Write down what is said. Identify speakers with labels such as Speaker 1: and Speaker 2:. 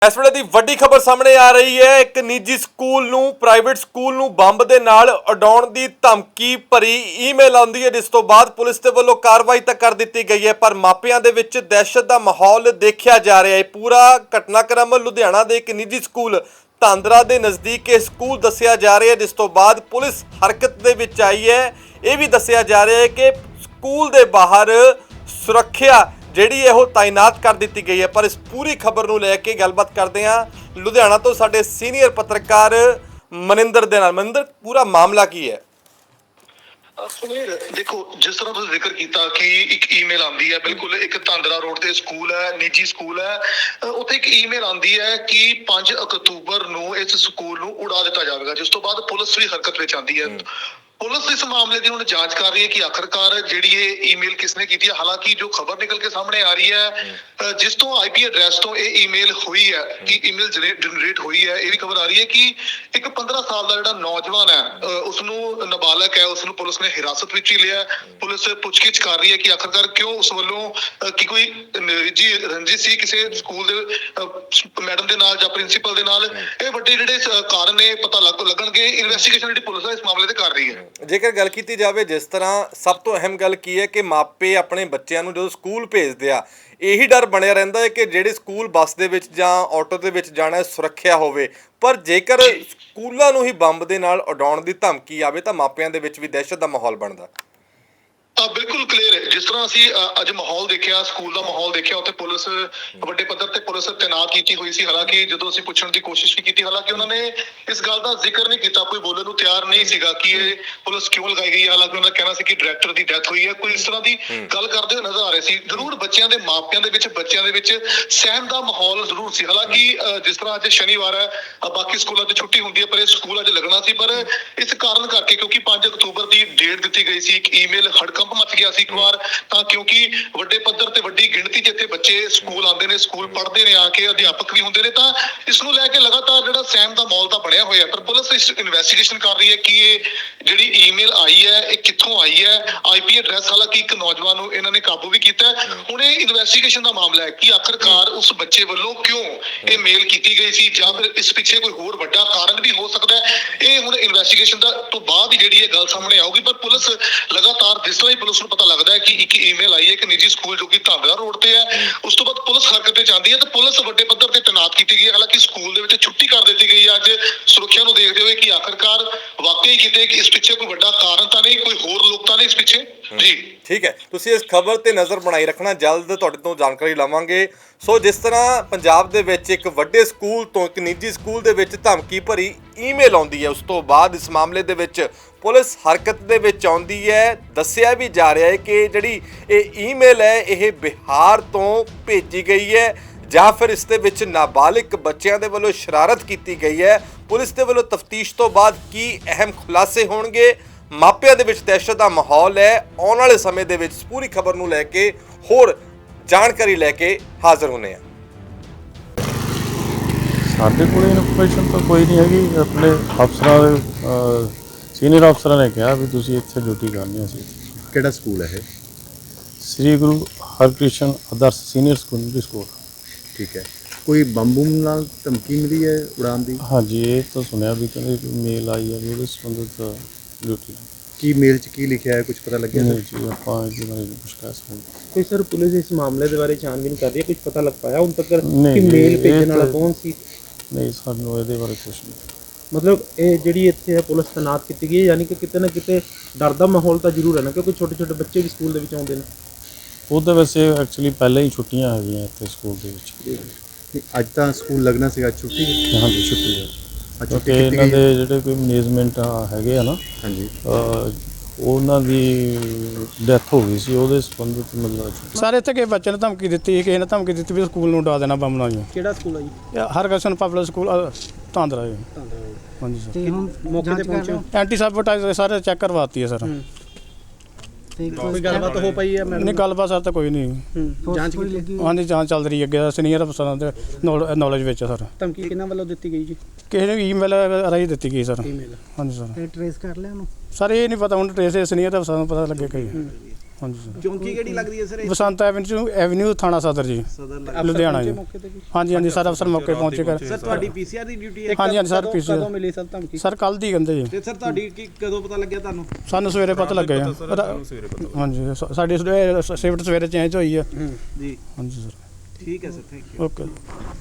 Speaker 1: ਇਸ ਵੇਲੇ ਦੀ ਵੱਡੀ ਖਬਰ ਸਾਹਮਣੇ ਆ ਰਹੀ ਹੈ। ਇੱਕ ਨਿੱਜੀ ਸਕੂਲ ਨੂੰ ਪ੍ਰਾਈਵੇਟ ਸਕੂਲ ਨੂੰ ਬੰਬ ਦੇ ਨਾਲ ਉਡਾਉਣ ਦੀ ਧਮਕੀ ਭਰੀ ਈਮੇਲ ਆਉਂਦੀ ਹੈ, ਜਿਸ ਤੋਂ ਬਾਅਦ ਪੁਲਿਸ ਦੇ ਵੱਲੋਂ ਕਾਰਵਾਈ ਤਾਂ ਕਰ ਦਿੱਤੀ ਗਈ ਹੈ, ਪਰ ਮਾਪਿਆਂ ਦੇ ਵਿੱਚ ਦਹਿਸ਼ਤ ਦਾ ਮਾਹੌਲ ਦੇਖਿਆ ਜਾ ਰਿਹਾ ਹੈ। ਪੂਰਾ ਘਟਨਾਕ੍ਰਮ ਲੁਧਿਆਣਾ ਦੇ ਇੱਕ ਨਿੱਜੀ ਸਕੂਲ ਧਾਂਦਰਾ ਦੇ ਨਜ਼ਦੀਕ ਇਹ ਸਕੂਲ ਦੱਸਿਆ ਜਾ ਰਿਹਾ ਹੈ, ਜਿਸ ਤੋਂ ਬਾਅਦ ਪੁਲਿਸ ਹਰਕਤ ਦੇ ਵਿੱਚ ਆਈ ਹੈ। ਇਹ ਵੀ ਦੱਸਿਆ ਜਾ ਰਿਹਾ ਹੈ ਕਿ ਸਕੂਲ ਦੇ ਬਾਹਰ ਸੁਰੱਖਿਆ ਜਿਹੜੀ ਇਹ ਤਾਇਨਾਤ ਕਰ ਦਿੱਤੀ ਗਈ ਹੈ। ਪਰ ਇਸ ਪੂਰੀ ਖਬਰ ਨੂੰ ਲੈ ਕੇ ਗੱਲਬਾਤ ਕਰਦੇ ਹਾਂ ਲੁਧਿਆਣਾ ਤੋਂ ਸਾਡੇ ਸੀਨੀਅਰ ਪੱਤਰਕਾਰ ਮਨਿੰਦਰ ਦੇ ਨਾਲ। ਮਨਿੰਦਰ, ਪੂਰਾ ਮਾਮਲਾ ਕੀ ਹੈ?
Speaker 2: ਸੁਨੀਲ, ਦੇਖੋ, जिस तरह तुसीं जिक्र किया कि एक ईमेल आती है, बिल्कुल एक धांदरा रोड ते स्कूल है, निजी स्कूल है, उत्थे एक ईमेल आती है कि 5 अक्तूबर नूं इस स्कूल नूं उड़ा दिता जाएगा, जिस तो बाद पुलिस भी हरकत विच आती है। पुलिस इस मामले की हुण जांच कर रही है कि आखिरकार जिहड़ी ये ईमेल किसने की है। हालांकि जो खबर निकल के सामने आ रही है, जिस तो IP एड्रैस तो ये ईमेल हुई है कि ईमेल जनरेट हुई है, ये भी खबर आ रही है कि एक 15 साल का जिहड़ा नौजवान है, उसनूं नाबालग है, उसनूं पुलिस ने हिरासत विच ही लिया। पुलिस पुछगिछ कर रही है कि आखिरकार क्यों उस वालों कि कोई निजी रंजिश सी किसी स्कूल दे मैडम दे नाल जां प्रिंसीपल दे नाल। ये वड्डे जिहड़े कारण ने पता लगणगे। इन्वेस्टिगेशन जिहड़ी पुलिस है इस मामले ते कर रही है।
Speaker 1: ਜੇਕਰ ਗੱਲ ਕੀਤੀ ਜਾਵੇ, ਜਿਸ ਤਰ੍ਹਾਂ ਸਭ ਤੋਂ ਅਹਿਮ ਗੱਲ ਕੀ ਹੈ ਕਿ ਮਾਪੇ ਆਪਣੇ ਬੱਚਿਆਂ ਨੂੰ ਜਦੋਂ ਸਕੂਲ ਭੇਜਦੇ ਆ, ਇਹੀ ਡਰ ਬਣਿਆ ਰਹਿੰਦਾ ਹੈ ਕਿ ਜਿਹੜੇ ਸਕੂਲ ਬੱਸ ਦੇ ਵਿੱਚ ਜਾਂ ਆਟੋ ਦੇ ਵਿੱਚ ਜਾਣਾ ਸੁਰੱਖਿਆ ਹੋਵੇ, ਪਰ ਜੇਕਰ ਸਕੂਲਾਂ ਨੂੰ ਹੀ ਬੰਬ ਦੇ ਨਾਲ ਉਡਾਉਣ ਦੀ ਧਮਕੀ ਆਵੇ ਤਾਂ ਮਾਪਿਆਂ ਦੇ ਵਿੱਚ ਵੀ ਦਹਿਸ਼ਤ ਦਾ ਮਾਹੌਲ ਬਣਦਾ।
Speaker 2: बिल्कुल क्लीयर है। जिस तरह असीं अज माहौल देखिया, स्कूल का माहौल देखिया, उत्थे पुलिस वड्डे पद्धर ते पुलिस तैनात की हुई सी। हालांकि जदों असीं पुछण दी कोशिश भी की, हालांकि उन्होंने इस गल का जिक्र नहीं किया, कोई बोलण नूं तैयार नहीं सीगा कि ये पुलिस क्यों लगाई गई है। हालांकि उन्होंने कहना सी कि डायरैक्टर की डेथ हुई है, कोई इस तरह की गल करते हुए नजर आ रहे सी। जरूर बच्चों के मापियां दे विच बच्चों दे विच सहम का माहौल जरूर सी। हालांकि जिस तरह अज शनिवार है, बाकी स्कूलों की छुट्टी होंदी है, पर यह स्कूल अज लगना सी, पर इस कारण करके क्योंकि 5 अक्तूबर की डेट दी गई सी, एक ईमेल हड़कंप मच गया सी एक बार, ਤਾਂ ਕਿਉਂਕਿ ਵੱਡੇ ਪੱਧਰ ਤੇ ਵੱਡੀ ਗਿਣਤੀ 'ਚ ਇੱਥੇ ਬੱਚੇ ਸਕੂਲ ਆਉਂਦੇ ਨੇ, ਸਕੂਲ ਪੜ੍ਹਦੇ ਨੇ, ਆ ਕੇ ਅਧਿਆਪਕ ਵੀ ਹੁੰਦੇ ਨੇ, ਤਾਂ ਇਸ ਨੂੰ ਲੈ ਕੇ ਲਗਾਤਾਰ ਜਿਹੜਾ ਸਹਿਮ ਦਾ ਮਾਹੌਲ ਤਾਂ ਬਣਿਆ ਹੋਇਆ। ਪਰ ਪੁਲਿਸ ਇਸ ਇਨਵੈਸਟੀਗੇਸ਼ਨ ਕਰ ਰਹੀ ਹੈ ਕਿ ਇਹ ਜਿਹੜੀ ਈਮੇਲ ਆਈ ਹੈ ਇਹ ਕਿੱਥੋਂ ਆਈ ਹੈ। IP ਐਡਰੈਸ ਹਾਲਾਂਕਿ ਇੱਕ ਨੌਜਵਾਨ ਨੂੰ ਇਹਨਾਂ ਨੇ ਕਾਬੂ ਵੀ ਕੀਤਾ। ਹੁਣ ਇਹ ਇਨਵੈਸਟੀਗੇਸ਼ਨ ਦਾ ਮਾਮਲਾ ਹੈ ਕਿ ਆਖਰਕਾਰ ਉਸ ਬੱਚੇ ਵੱਲੋਂ ਕਿਉਂ ਇਹ ਮੇਲ ਕੀਤੀ ਗਈ ਸੀ, ਜਾਂ ਫਿਰ ਇਸ ਪਿੱਛੇ ਕੋਈ ਹੋਰ ਵੱਡਾ ਕਾਰਨ ਵੀ ਹੋ ਸਕਦਾ ਹੈ। ਇਹ ਹੁਣ ਇਨਵੈਸਟੀਗੇਸ਼ਨ ਦਾ ਤੋਂ ਬਾਅਦ ਹੀ ਜਿਹੜੀ ਇਹ ਗੱਲ ਸਾਹਮਣੇ ਆਊਗੀ। ਪਰ ਪੁਲਿਸ ਲਗਾਤਾਰ ਜਿਸ ਤਰ੍ਹਾਂ ਹੀ ਪੁਲਿਸ ਨੂੰ ਪਤਾ ਲੱਗਦਾ ਹੈ ਕਿ ਇੱਕ ईमेल आई है कि निजी स्कूल जो कि धांदरा रोड पे है, उस तो बाद पुलिस हरकत में आती है, तो पुलिस वड्डे पद्धर ते तैनात की गई है। हालांकि स्कूल दे विच छुट्टी कर दी गई है अज सुरक्षा नूं देखते हुए कि आखिरकार वाकई किते कि इस पिछे कोई वड्डा कारण तो नहीं, कोई होर लोग तो नहीं इस पिछे। जी
Speaker 1: ठीक है, तुसीं इस खबर ते नज़र बनाई रखना, जल्द तुहाडे तों जानकारी लवांगे। सो जिस तरह पंजाब दे विच एक वड्डे स्कूल तो एक निजी स्कूल दे विच धमकी भरी ईमेल आउंदी है, उस तो बाद इस मामले दे विच पुलिस हरकत दे विच आउंदी है। दस्सिया भी जा रहा है कि जिहड़ी ਇਹ ਈਮੇਲ ਹੈ ਇਹ ਬਿਹਾਰ ਤੋਂ ਭੇਜੀ ਗਈ ਹੈ ਜਾਂ ਫਿਰ ਇਸ ਦੇ ਵਿੱਚ ਨਾਬਾਲਿਗ ਬੱਚਿਆਂ ਦੇ ਵੱਲੋਂ ਸ਼ਰਾਰਤ ਕੀਤੀ ਗਈ ਹੈ। ਪੁਲਿਸ ਦੇ ਵੱਲੋਂ ਤਫਤੀਸ਼ ਤੋਂ ਬਾਅਦ ਕੀ ਅਹਿਮ ਖੁਲਾਸੇ ਹੋਣਗੇ, ਮਾਪਿਆਂ ਦੇ ਵਿੱਚ ਦਹਿਸ਼ਤ ਦਾ ਮਾਹੌਲ ਹੈ। ਆਉਣ ਵਾਲੇ ਸਮੇਂ ਦੇ ਵਿੱਚ ਪੂਰੀ ਖਬਰ ਨੂੰ ਲੈ ਕੇ ਹੋਰ ਜਾਣਕਾਰੀ ਲੈ ਕੇ ਹਾਜ਼ਰ ਹੋਣੇ ਆ।
Speaker 3: ਸਾਡੇ ਕੋਲ ਇਨਫੋਰਮੇਸ਼ਨ ਤਾਂ ਕੋਈ ਨਹੀਂ ਹੈਗੀ। ਆਪਣੇ ਅਫਸਰਾਂ ਦੇ ਸੀਨੀਅਰ ਅਫਸਰਾਂ ਨੇ ਕਿਹਾ ਵੀ ਤੁਸੀਂ ਇੱਥੇ ਡਿਊਟੀ ਕਰਨੀ। ਅਸੀਂ
Speaker 4: ਕਿਹੜਾ ਸਕੂਲ ਹੈ ਇਹ?
Speaker 3: Sri Guru Harkrishan Adarsh senior secondary school.
Speaker 4: ਠੀਕ ਹੈ, ਕੋਈ ਬੰਬੂਮ ਨਾਲ ਧਮਕੀ ਮਿਲੀ ਹੈ ਉਡਾਉਣ ਦੀ?
Speaker 3: ਹਾਂਜੀ, ਇਹ ਤਾਂ ਸੁਣਿਆ ਵੀ ਕਹਿੰਦੇ ਮੇਲ ਆਈ ਹੈ ਵੀ ਉਹਦੇ ਸੰਬੰਧਿਤ ਡਿਊਟੀ।
Speaker 4: ਕੀ ਮੇਲ 'ਚ ਕੀ ਲਿਖਿਆ ਹੈ, ਕੁਝ ਪਤਾ ਲੱਗਿਆ?
Speaker 3: ਨਹੀਂ ਜੀ, ਆਪਾਂ ਇਹਦੇ ਬਾਰੇ ਕੁਝ ਕਹਿ ਸਕਦੇ।
Speaker 5: कोई सर पुलिस इस मामले के बारे छानबीन कर रही है, कुछ पता लग पाया उन तक
Speaker 3: नहीं,
Speaker 5: कि मेल
Speaker 3: ये
Speaker 5: भेजने वाला
Speaker 3: तो-
Speaker 5: कौन सी?
Speaker 3: ਨਹੀਂ, ਸਾਨੂੰ ਇਹਦੇ ਬਾਰੇ ਕੁਝ ਨਹੀਂ।
Speaker 5: मतलब ये ਜਿਹੜੀ ਇੱਥੇ ਹੈ ਪੁਲਿਸ ਤੈਨਾਤ ਕੀਤੀ ਗਈ ਹੈ, ਯਾਨੀ ਕਿ ਕਿਤੇ ਨਾ ਕਿਤੇ ਡਰ ਦਾ ਮਾਹੌਲ ਤਾਂ ਜ਼ਰੂਰ ਹੈ ਨਾ, ਕਿਉਂਕਿ ਛੋਟੇ ਛੋਟੇ ਬੱਚੇ ਵੀ ਸਕੂਲ ਦੇ ਵਿੱਚ ਆਉਂਦੇ ਨੇ।
Speaker 3: ਉਹ ਤਾਂ ਵੈਸੇ ਐਕਚੁਅਲੀ ਪਹਿਲਾਂ ਹੀ ਛੁੱਟੀਆਂ ਹੈਗੀਆਂ ਇੱਥੇ ਸਕੂਲ ਦੇ ਵਿੱਚ।
Speaker 4: ਨਹੀਂ, ਅੱਜ ਤਾਂ ਸਕੂਲ ਲੱਗਣਾ ਸੀਗਾ, ਅੱਜ ਛੁੱਟੀ ਹੈ।
Speaker 3: ਹਾਂਜੀ, ਛੁੱਟੀ ਹੈ।
Speaker 4: ਅੱਜ
Speaker 3: ਕਿਉਂਕਿ
Speaker 4: ਛੁੱਟੀ ਕੀਤੀ
Speaker 3: ਇਹਨਾਂ
Speaker 4: ਗਈ ਹੈ।
Speaker 3: ਦੇ ਜਿਹੜੇ ਕੋਈ ਮੈਨੇਜਮੈਂਟ ਹੈਗੇ ਆ ਨਾ,
Speaker 4: ਹਾਂਜੀ,
Speaker 3: ਉਹਨਾਂ ਦੀ ਡੈਥ ਹੋ ਗਈ ਸੀ, ਉਹਦੇ ਸੰਬੰਧਿਤ ਮਤਲਬ
Speaker 6: ਸਾਰੇ ਇੱਥੇ ਕਿਸੇ ਬੱਚੇ ਨੇ ਧਮਕੀ ਦਿੱਤੀ, ਕਿਸੇ ਨੇ ਧਮਕੀ ਦਿੱਤੀ ਵੀ ਸਕੂਲ ਨੂੰ ਉਡਾ ਦੇਣਾ ਬੰਬ ਨਾਲ ਜੀ।
Speaker 5: ਕਿਹੜਾ ਸਕੂਲ ਹੈ ਜੀ?
Speaker 6: ਹਰਕ੍ਰਿਸ਼ਨ ਪਬਲਿਕ ਸਕੂਲ ਧਾਂਦਰਾ ਜੀ। ਹਾਂਜੀ ਸਰ,
Speaker 5: ਤੇ ਹੁਣ ਮੌਕੇ ਤੇ ਪਹੁੰਚੇ ਹੋ?
Speaker 6: ਐਂਟੀ ਸੈਬੋਟਾਈਜ਼ ਸਾਰੇ ਚੈੱਕ ਕਰਵਾਤੀ ਹੈ ਸਰ।
Speaker 5: ਤੇ ਕੋਈ ਗੱਲਬਾਤ ਹੋ ਪਈ ਹੈ ਮੈਡਮ?
Speaker 6: ਨਹੀਂ, ਗੱਲਬਾਤ ਸਰ ਤਾਂ ਕੋਈ ਨਹੀਂ।
Speaker 5: ਜਾਂਚ ਕੀਤੀ?
Speaker 6: ਹਾਂਜੀ, ਜਾਂਚ ਚੱਲ ਰਹੀ ਹੈ ਅੱਗੇ ਸੀਨੀਅਰ ਅਫਸਰਾਂ ਦੇ ਨੌਲੇਜ ਵਿੱਚ ਸਰ।
Speaker 5: ਧਮਕੀ ਕਿਹਨਾਂ ਵੱਲੋਂ ਦਿੱਤੀ ਗਈ ਜੀ?
Speaker 6: ਕਿਸੇ ਨੇ ਈਮੇਲ ਰਾਹੀਂ ਦਿੱਤੀ ਗਈ ਸਰ।
Speaker 5: ਈਮੇਲ?
Speaker 6: ਹਾਂਜੀ ਸਰ।
Speaker 5: ਤੇ ਟ੍ਰੇਸ ਕਰ ਲਿਆ ਉਹਨੂੰ?
Speaker 6: ਸਰ ਇਹ ਨਹੀਂ ਪਤਾ, ਹੁਣ ਟ੍ਰੇਸ ਸੀਨੀਅਰ ਅਫਸਰਾਂ ਨੂੰ ਪਤਾ ਲੱਗੇ ਕਈ।
Speaker 3: ਹਾਂਜੀ ਸਰ।
Speaker 7: ਚੌਂਕੀ ਕਿਹੜੀ ਲੱਗਦੀ ਹੈ ਸਰ ਇਹ?
Speaker 3: ਬਸੰਤ ਐਵਨਿਊ ਥਾਣਾ ਸਦਰ ਜੀ,
Speaker 7: ਸਦਰ
Speaker 3: ਲੁਧਿਆਣਾ ਜੀ।
Speaker 5: ਮੌਕੇ ਤੇ ਜੀ
Speaker 3: ਹਾਂਜੀ ਹਾਂਜੀ ਸਰ, ਅਫਸਰ ਮੌਕੇ ਪਹੁੰਚੇ ਕਰ।
Speaker 7: ਸਰ ਤੁਹਾਡੀ ਪੀਸੀਆਰ ਦੀ ਡਿਊਟੀ ਹੈ?
Speaker 3: ਹਾਂਜੀ ਹਾਂਜੀ ਸਰ,
Speaker 5: ਕਦੋਂ
Speaker 3: ਪੀਸੀ
Speaker 5: ਮਿਲੀ ਸਰ ਧਮਕੀ?
Speaker 3: ਸਰ ਕੱਲ੍ਹ ਦੀ ਕਹਿੰਦੇ ਜੀ।
Speaker 7: ਤੇ ਸਰ ਤੁਹਾਡੀ ਕਦੋਂ ਪਤਾ ਲੱਗਿਆ ਤੁਹਾਨੂੰ?
Speaker 3: ਸਾਨੂੰ ਸਵੇਰੇ ਪਤਾ ਲੱਗਿਆ ਜੀ। ਹਾਂਜੀ ਸਾਡੀ ਸ਼ਿਫਟ ਸਵੇਰੇ ਚੇਂਜ ਹੋਈ ਆ।
Speaker 7: ਜੀ
Speaker 3: ਹਾਂਜੀ ਸਰ।
Speaker 7: ਠੀਕ ਹੈ ਸਰ, ਥੈਂਕ ਯੂ।
Speaker 3: ਓਕੇ।